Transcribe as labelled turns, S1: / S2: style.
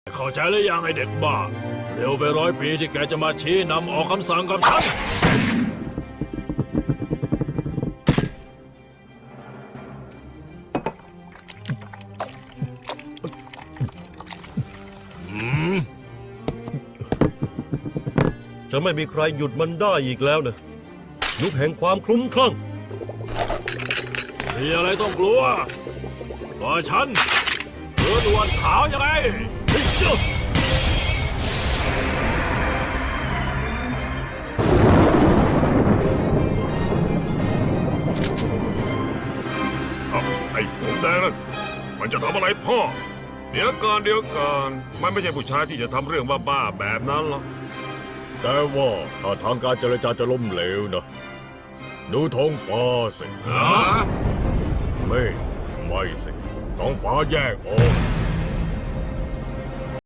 S1: เข้าใจหรือยังไอเด็กบ้าเร็วไป100 ปีที่แกจะมาชี้นำออกคำสั่งกับฉัน
S2: จะไม่มีใครหยุดมันได้อีกแล้วนะยุคแห่งความคลุ้มคลั่ง
S1: มีอะไรต้องกลัวว่าฉันด่วนขาวยังไง
S3: ไอ้ผมแดงนั่นมันจะทำอะไรพ่อเดี๋ยวก่อนมันไม่ใช่ผู้ชายที่จะทำเรื่องบ้าๆแบบนั้นหรอก
S4: แต่ว่าถ้าทางการเจรจาจะล้มเหลวนะดูท้องฟ้าสิ
S3: ฮะ
S4: ไม่สิท้องฟ้าแยกออก